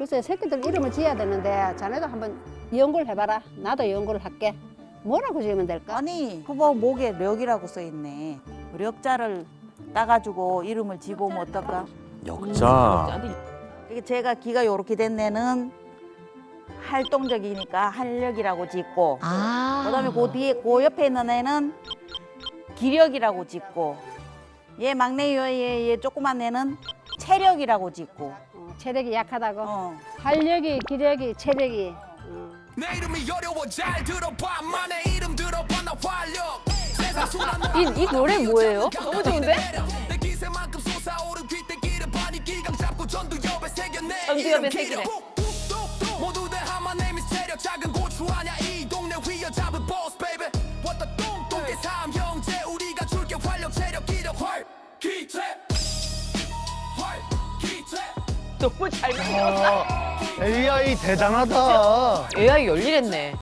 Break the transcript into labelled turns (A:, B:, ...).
A: 글쎄 새끼들 이름을 지어야 되는데 자네도 한번 연구를 해봐라. 나도 연구를 할게. 뭐라고 지으면 될까?
B: 아니 후보 목에 력이라고 써 있네. 력자를 따가지고 이름을 지고 오면 어떨까?
C: 역자.
B: 이게 제가 기가 요렇게 된 애는 활동적이니까 활력이라고 짓고 그다음에 그 뒤에 그 옆에 있는 애는 기력이라고 짓고 얘 막내 얘 조그만 애는 체력이라고 짓고
A: 체력이 약하다고.
B: 어.
A: 활력이, 기력이, 체력이.
D: 내 이름이 어려워 잘 들어봐 만의 이름 들어봐 나 활력 세상 수많은
E: 이 노래 뭐예요? 너무 좋은데?
D: 내 기세만큼 솟아오른 귀때기를 반이 기강 잡고 전두엽에 새겨내
E: 전두엽에 새기네.
D: 모두 다 하만 name is 체력 작은 고추 아냐 이 동네 휘어잡은 boss baby What the 똥똥개 삼 형제 우리가 줄게 활력 체력 기력 활기체 활기체
E: 너무 잘 만들었다.
C: AI 대단하다.
E: AI 열일했네.